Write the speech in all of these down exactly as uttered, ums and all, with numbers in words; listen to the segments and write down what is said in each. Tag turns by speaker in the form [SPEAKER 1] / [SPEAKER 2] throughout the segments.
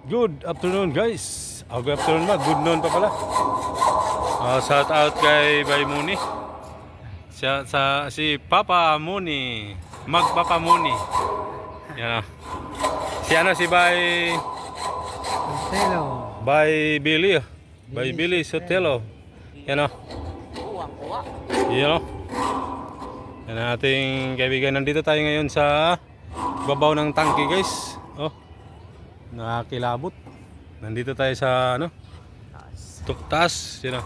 [SPEAKER 1] Good afternoon guys. Oh, good afternoon ba? Good noon pa pala. Uh, shout out kay Bay Muni. Siya, sa, si Papa Muni. Mag Papa Muni. Yan o. Si ano si Bay...
[SPEAKER 2] Hello.
[SPEAKER 1] Bay Billy. Oh. Bay Billy Sotelo. Yan o. Yan o. Yan ang ating kaibigan. Nandito tayo ngayon sa babaw ng tangke guys. Oh. Nakakilabot. Nandito tayo sa ano? Tuktas, yun o.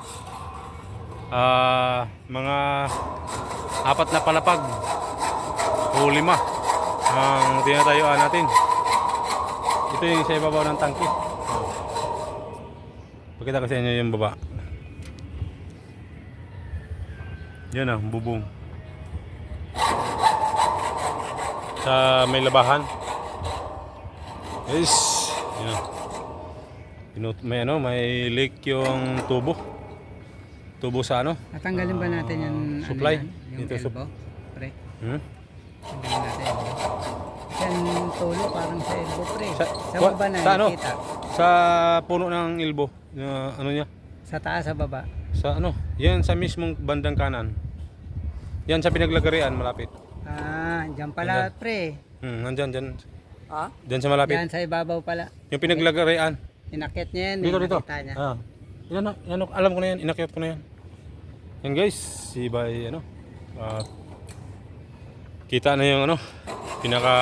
[SPEAKER 1] Ah, mga apat na palapag o lima ang tinatayuan natin. Ito yung sa ibabaw ng tangke. Pakita ko sa inyo yung baba. Yan o, bubong. Sa may labahan. Yes. Yan. Pinut may ano, may leak yung tubo. Tubo sa ano?
[SPEAKER 2] Natanggalin ba natin yung
[SPEAKER 1] Uh, supply?
[SPEAKER 2] Ano yan? Yung
[SPEAKER 1] Ito, sup-
[SPEAKER 2] elbow? Pre.
[SPEAKER 1] Hmm?
[SPEAKER 2] Tanggalin natin. Yan tulo parang sa elbow pre.
[SPEAKER 1] Sa,
[SPEAKER 2] Sa
[SPEAKER 1] wa-
[SPEAKER 2] baba na
[SPEAKER 1] sa ano?
[SPEAKER 2] nakita.
[SPEAKER 1] Sa puno ng ilbo. Uh, ano niya?
[SPEAKER 2] Sa taas sa baba.
[SPEAKER 1] Sa ano? Yan sa mismong bandang kanan. Yan sa pinaglagarian malapit.
[SPEAKER 2] Ah, diyan pala
[SPEAKER 1] Ayan.
[SPEAKER 2] pre.
[SPEAKER 1] Hmm, nandyan, dyan.
[SPEAKER 2] Ah?
[SPEAKER 1] Dyan sa malapit.
[SPEAKER 2] Yan sa ibabaw pala.
[SPEAKER 1] Yung pinaglagarian.
[SPEAKER 2] Inakit niya yan.
[SPEAKER 1] Dito,
[SPEAKER 2] eh,
[SPEAKER 1] dito.
[SPEAKER 2] nakita niya.
[SPEAKER 1] Ah. Yan, na- yan, alam ko na yan. Inakyat ko na yan. Yan guys. Si Bay, ano. ah, kita na yung ano. Pinaka...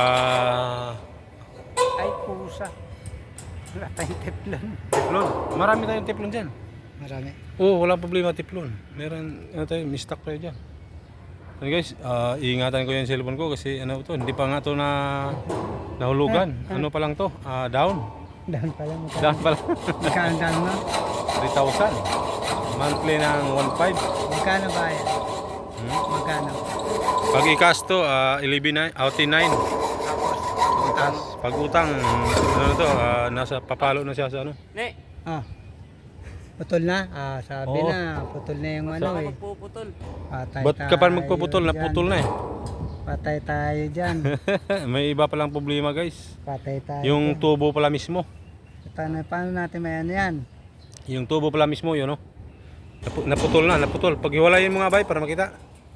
[SPEAKER 2] Ay, pusa. Wala tayong teflon.
[SPEAKER 1] Teflon. Marami tayong teflon dyan.
[SPEAKER 2] Marami.
[SPEAKER 1] Oo, wala problema teflon. Meron, ano tayo, may stock tayo dyan. Ano guys, ah, iingatan ko yung cellphone ko kasi ano to, hindi pa nga to na nahulugan. Ano pa lang to? Ah, down.
[SPEAKER 2] Down pala. Magkano
[SPEAKER 1] Down pa lang.
[SPEAKER 2] Magkano down na?
[SPEAKER 1] three thousand. Monthly ng one point five.
[SPEAKER 2] Magkano ba yan?
[SPEAKER 1] Hmm?
[SPEAKER 2] Magkano?
[SPEAKER 1] Pag i-cash to, ah, eleven nine, outing nine.
[SPEAKER 2] Utang.
[SPEAKER 1] Pag utang, ano to, ah, nasa papalo na siya sa ano.
[SPEAKER 2] Ne. Ah. Putol na? Ah, sabi
[SPEAKER 1] Oo.
[SPEAKER 2] na. Putol na yung ano eh.
[SPEAKER 3] Magpuputol.
[SPEAKER 2] Patay
[SPEAKER 1] Ba't ka pa
[SPEAKER 2] tayo
[SPEAKER 1] magpuputol?
[SPEAKER 2] dyan.
[SPEAKER 1] Naputol na eh.
[SPEAKER 2] Patay tayo dyan.
[SPEAKER 1] May iba palang problema guys.
[SPEAKER 2] Patay tayo
[SPEAKER 1] Yung
[SPEAKER 2] dyan.
[SPEAKER 1] tubo pala mismo.
[SPEAKER 2] Paano, paano natin may ano yan?
[SPEAKER 1] Yung tubo pala mismo yun, no? Napu- naputol na, naputol. Pag hiwalayin mo nga bay para makita.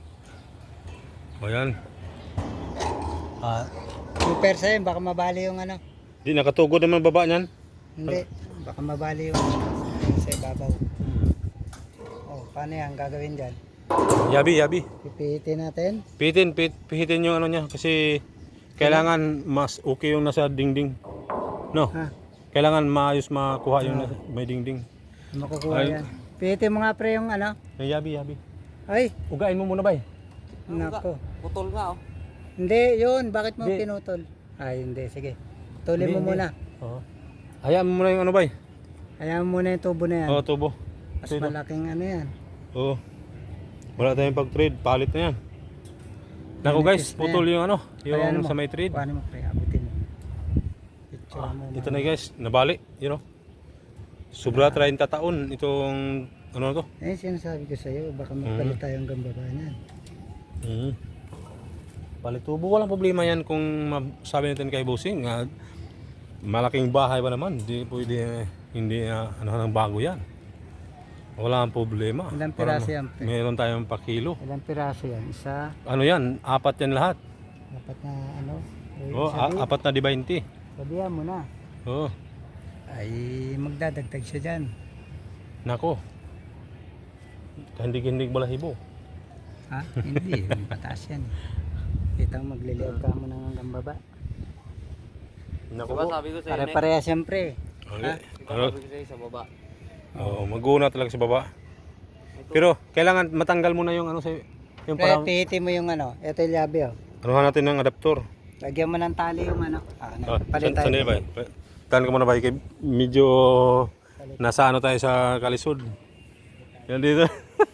[SPEAKER 1] O yan.
[SPEAKER 2] Ah. Yung persa yun, baka mabali yung ano.
[SPEAKER 1] Di nakatugod naman baba niyan.
[SPEAKER 2] Hindi. Baka mabali yung yung sa ibabaw. Oh, paano yan? Gagawin dyan?
[SPEAKER 1] Yabi, yabi.
[SPEAKER 2] Pipihitin natin.
[SPEAKER 1] Pihitin, pit, pihitin yung ano niya kasi kailangan mas okay yung nasa dingding. No?
[SPEAKER 2] Ha?
[SPEAKER 1] Kailangan maayos makuha yung nasa, may dingding.
[SPEAKER 2] Makukuha
[SPEAKER 1] Ay.
[SPEAKER 2] yan. Pihitin mo nga pre yung ano.
[SPEAKER 1] Ay, yabi, yabi.
[SPEAKER 2] Ay,
[SPEAKER 1] Ugain mo muna bay.
[SPEAKER 2] nako.
[SPEAKER 3] Putol nga oh.
[SPEAKER 2] Hindi, yun. Bakit mo
[SPEAKER 1] Hindi.
[SPEAKER 2] pinutol? Ay, hindi. Sige. Tuloy
[SPEAKER 1] Hindi,
[SPEAKER 2] mo
[SPEAKER 1] hindi.
[SPEAKER 2] muna.
[SPEAKER 1] Oo. Hayaan mo muna yung ano bay.
[SPEAKER 2] Hayaan mo muna yung tubo na yan.
[SPEAKER 1] Oo, tubo.
[SPEAKER 2] Mas
[SPEAKER 1] Ito, ito.
[SPEAKER 2] malaking ano yan.
[SPEAKER 1] Oo. Wala tayong pag-trade, palit na yan. Naku
[SPEAKER 2] Manipis
[SPEAKER 1] guys,
[SPEAKER 2] na
[SPEAKER 1] putol
[SPEAKER 2] yan.
[SPEAKER 1] yung ano,
[SPEAKER 2] Ayan
[SPEAKER 1] yung
[SPEAKER 2] mo.
[SPEAKER 1] sa may trade.
[SPEAKER 2] Kuhanin mo pre, abutin mo. Picture
[SPEAKER 1] Ah,
[SPEAKER 2] mo.
[SPEAKER 1] ito na guys, nabali, you know. Sobra thirty taon itong ano na to.
[SPEAKER 2] Eh, sinasabi ko sa'yo, baka magpalit tayo hanggang baba niyan.
[SPEAKER 1] Mhm. Palit tubo, walang problema yan kung sabi natin kay Bossing, ah, malaking bahay ba naman, hindi pwede, hindi ah, ano nang bago yan. Wala ang problema.
[SPEAKER 2] Ilang
[SPEAKER 1] Para
[SPEAKER 2] piraso
[SPEAKER 1] ma-
[SPEAKER 2] yan, pre?
[SPEAKER 1] Meron tayong pa kilo.
[SPEAKER 2] Ilang piraso yan? Isa,
[SPEAKER 1] Ano yan, apat yan lahat.
[SPEAKER 2] dapat na ano?
[SPEAKER 1] Oh, a- apat na di twenty.
[SPEAKER 2] Sabihan mo na.
[SPEAKER 1] Oh,
[SPEAKER 2] Ay, magdadagdag siya dyan.
[SPEAKER 1] nako. Kandig-kandig balahibo.
[SPEAKER 2] Ha? Hindi, pataas yan. Kita mo, magliliab ka mo nang hanggang baba.
[SPEAKER 1] Nako.
[SPEAKER 3] Diba sabi ko sa'yo, ne?
[SPEAKER 2] Pare-pareha siyempre.
[SPEAKER 1] Okay.
[SPEAKER 3] Diba
[SPEAKER 1] Ano?
[SPEAKER 3] sabi ko sa'yo sa baba.
[SPEAKER 1] Oo, mag-una talaga sa baba. Pero kailangan matanggal muna yung ano sa yung
[SPEAKER 2] Pre,
[SPEAKER 1] parang
[SPEAKER 2] pihitin mo yung ano. Ito yung labi oh.
[SPEAKER 1] anuhan natin ng adaptor.
[SPEAKER 2] Lagyan mo ng tali yung ano. Ah,
[SPEAKER 1] Oh,
[SPEAKER 2] ano. Palit
[SPEAKER 1] san,
[SPEAKER 2] tayo.
[SPEAKER 1] ba? Tan ka muna ba kay medyo nasa ano tayo sa kalisod. Yan dito.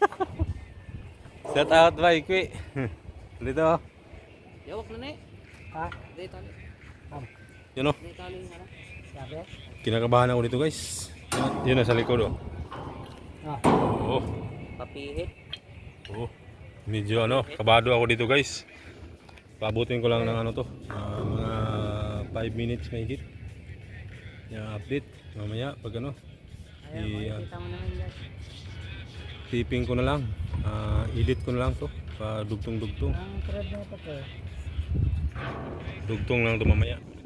[SPEAKER 1] Shout out ba Ikwi. Dito. oh.
[SPEAKER 3] Yawak na ne.
[SPEAKER 2] Ha?
[SPEAKER 3] Hindi tali.
[SPEAKER 1] Yun oh.
[SPEAKER 3] Hindi tali nga na.
[SPEAKER 2] Sabi?
[SPEAKER 1] Kinakabahan ako dito guys. Yun, yun nasa likod oh.
[SPEAKER 2] Ah.
[SPEAKER 1] Oo.
[SPEAKER 3] Papihit.
[SPEAKER 1] Oo. Medyo ano, kabado ako dito guys. Paabutin ko lang ng ano to, ah, mga five minutes may hit. i-update mamaya pag ano.
[SPEAKER 3] Ayan,
[SPEAKER 1] I-
[SPEAKER 3] makikita mo naman yan.
[SPEAKER 1] Tipping ko na lang. Ah, edit ko na lang to. Pa dugtong-dugtong.
[SPEAKER 2] Ang thread na ito po.
[SPEAKER 1] Dugtong lang to mamaya.